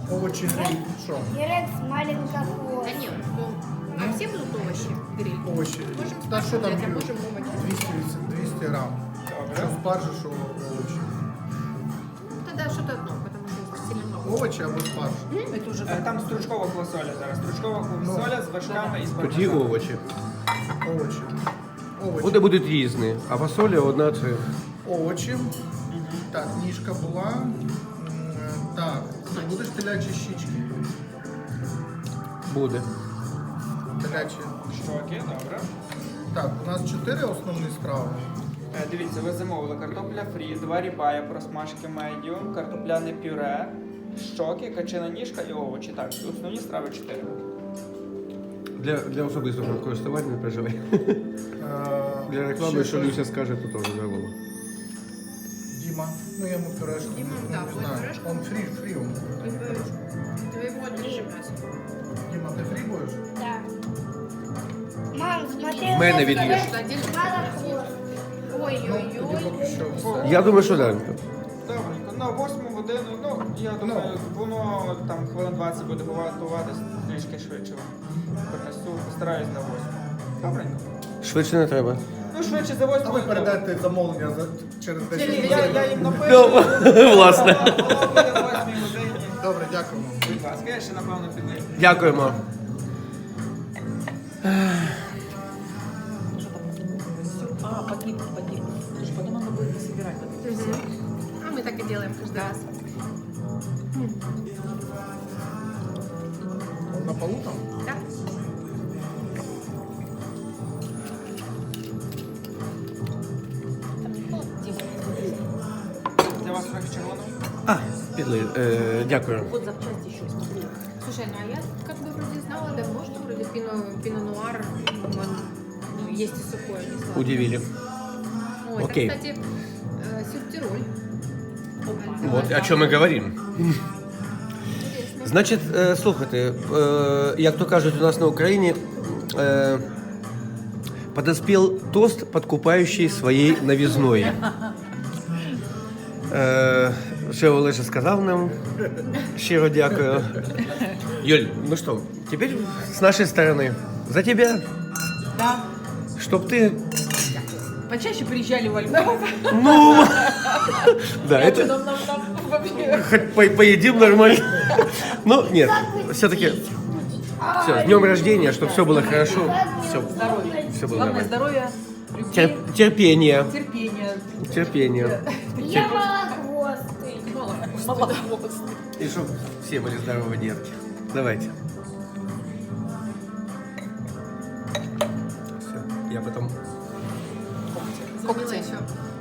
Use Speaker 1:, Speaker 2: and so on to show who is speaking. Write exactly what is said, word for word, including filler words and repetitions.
Speaker 1: Овощи гриль. Что?
Speaker 2: Огурец, маленький хвост.
Speaker 3: Да нет, ну, а все будут овощи гриль?
Speaker 1: Овощи.
Speaker 3: Можем
Speaker 1: Да что там?
Speaker 3: спаржу взять, а
Speaker 1: гриль?
Speaker 3: можем овощи.
Speaker 1: двести, двести грамм. Что спаржа, что овощи.
Speaker 3: Ну, тогда что-то одно, потому что сильно много.
Speaker 1: Овощи або спаржа.
Speaker 4: Это уже
Speaker 5: Е, Там стручкова квасоля зараз. Стручкова квасоля з вершками і з
Speaker 6: Тоді
Speaker 5: пармезаном.
Speaker 6: овочі.
Speaker 1: Овощи. Овощи.
Speaker 6: Вони будуть різні, а фасоля одна це.
Speaker 1: Овочі. Так, ніжка була. М, Так, будеш телячі щічки.
Speaker 6: Буде.
Speaker 1: Телячі.
Speaker 5: Щоки, добре.
Speaker 1: Так, у нас чотири основні страви.
Speaker 5: Е, Дивіться, ви замовили картопля фрі, два рібая просмажки медіум, картопляне пюре, щоки, качина ніжка і овочі. Так, основні страви чотири.
Speaker 6: Для, для особистого користування не переживай.
Speaker 1: Е,
Speaker 6: Для реклами,
Speaker 1: ще
Speaker 6: що
Speaker 1: щось.
Speaker 6: Люся скаже, то теж забула.
Speaker 1: Дима, ну я ему пюрешку.
Speaker 3: Дима,
Speaker 1: ну,
Speaker 3: да,
Speaker 1: не
Speaker 3: будет
Speaker 1: знаю.
Speaker 3: пюрешка.
Speaker 1: Он фри, фри он.
Speaker 3: Твоего держи мясо.
Speaker 1: Дима, ты фри будешь?
Speaker 2: Да. Мам, смотри.
Speaker 6: В мене
Speaker 2: у меня
Speaker 6: від'їж.
Speaker 3: Что, отдельно?
Speaker 2: мало хвост.
Speaker 1: Ну, тоді
Speaker 3: Ой-ой-ой.
Speaker 1: поки що все.
Speaker 6: Я думаю, що так.
Speaker 5: Добренько, на восьму годину, ну, я думаю, воно там хвилин двадцять буде готуватись трішки швидше. Принесу, постараюсь на восьму. Добренько.
Speaker 6: Швидше не треба.
Speaker 5: Ну, швидше за
Speaker 1: А ви
Speaker 5: восьму.
Speaker 1: передайте замовлення за, через
Speaker 5: Ні,
Speaker 1: десять
Speaker 5: ні,
Speaker 1: хвилин.
Speaker 5: я, я їм напишу.
Speaker 6: Ну, власне.
Speaker 5: Воно буде на восьмій годині.
Speaker 1: Добре, дякуємо.
Speaker 5: Будь ласка, я ще напевно підлив.
Speaker 6: Дякуємо.
Speaker 4: что там? А, погиб, погиб. Слушай, потом надо будет не собирать вот эти все.
Speaker 3: А мы так и делаем каждый раз.
Speaker 1: На полу там?
Speaker 3: Да?
Speaker 4: Там не холодно, Дима?
Speaker 5: Для вас трохи червоного?
Speaker 6: А, підли. Е, дякую.
Speaker 4: Вот запчасти еще, смотри.
Speaker 3: Слушай, ну а я как бы вроде знала давно, что вроде пино, пино нуар, он, ну, есть и сухое, не сладкое.
Speaker 6: Удивили.
Speaker 3: Ой,
Speaker 6: Окей.
Speaker 3: это, кстати, э, сюртироль.
Speaker 6: Вот о чому ми говоримо.
Speaker 3: Интересно.
Speaker 6: Значить, е, слухайте, е, як то кажуть у нас на Україні, е, подоспел тост, подкупающий своей новизной. Е, що Олеша сказав нам. Щиро дякую. Юль, ну что, теперь с нашей стороны. За тебя,
Speaker 4: Да.
Speaker 6: чтоб ты...
Speaker 4: Почаще приезжали во Львов.
Speaker 6: Ну, да, это...
Speaker 4: Нам, нам, нам вообще.
Speaker 6: Хоть по- поедим нормально. Ну, нет, все-таки... Все, с днем рождения, чтобы все было хорошо. Все,
Speaker 4: Здоровья.
Speaker 6: все было
Speaker 4: Главное
Speaker 6: нормально.
Speaker 4: здоровья, любви,
Speaker 6: Тер- терпение,
Speaker 4: терпения.
Speaker 6: терпение.
Speaker 2: Я малохвостый.
Speaker 4: Молодость.
Speaker 6: И чтобы все были здоровы, детки. Давайте. Все, я потом...
Speaker 3: Звонила еще